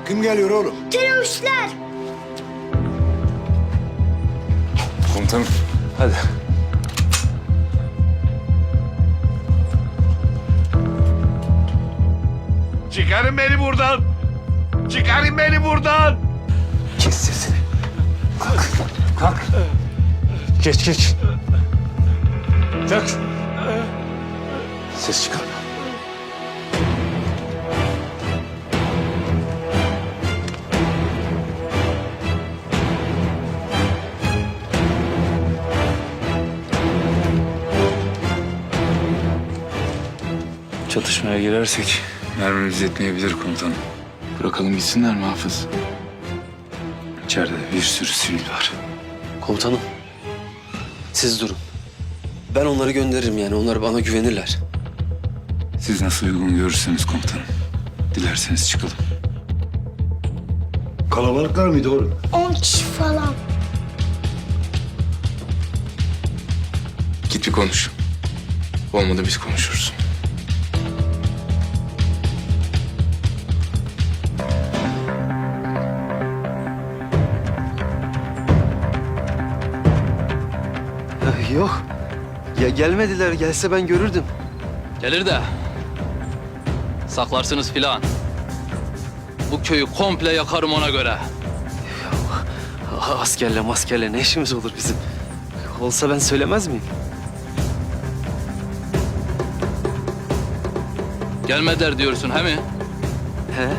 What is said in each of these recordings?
Kim geliyor oğlum? Teröristler. Komutanım, hadi. Çıkarın beni buradan. Çıkarın beni buradan. Kes sesini. Kalk, kalk. Geç, geç. Dök. Ses çıkarma. Çatışmaya girersek mermimiz yetmeyebilir komutanım. Bırakalım gitsinler mi Hafız? İçeride bir sürü sivil var. Komutanım, siz durun. Ben onları gönderirim yani. Onlar bana güvenirler. Siz nasıl uygun görürseniz komutanım. Dilerseniz çıkalım. Kalabalıklar mıydı oğlum? 10 kişi falan. Git bir konuş. Olmadı biz konuşuruz. Yok. Ya gelmediler. Gelse ben görürdüm. Gelir de saklarsınız filan. Bu köyü komple yakarım ona göre. Askerle maskerle ne işimiz olur bizim? Olsa ben söylemez miyim? Gelmediler diyorsun he mi? He?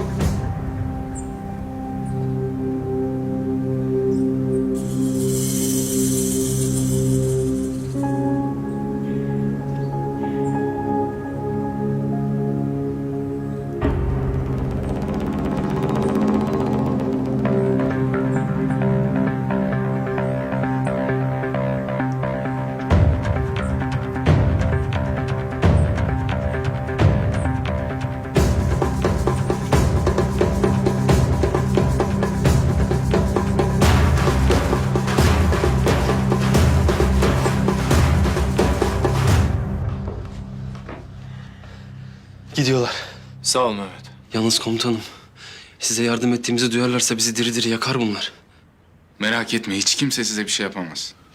Gidiyorlar. Sağ ol Mehmet. Yalnız komutanım, size yardım ettiğimizi duyarlarsa bizi diri diri yakar bunlar. Merak etme hiç kimse size bir şey yapamaz.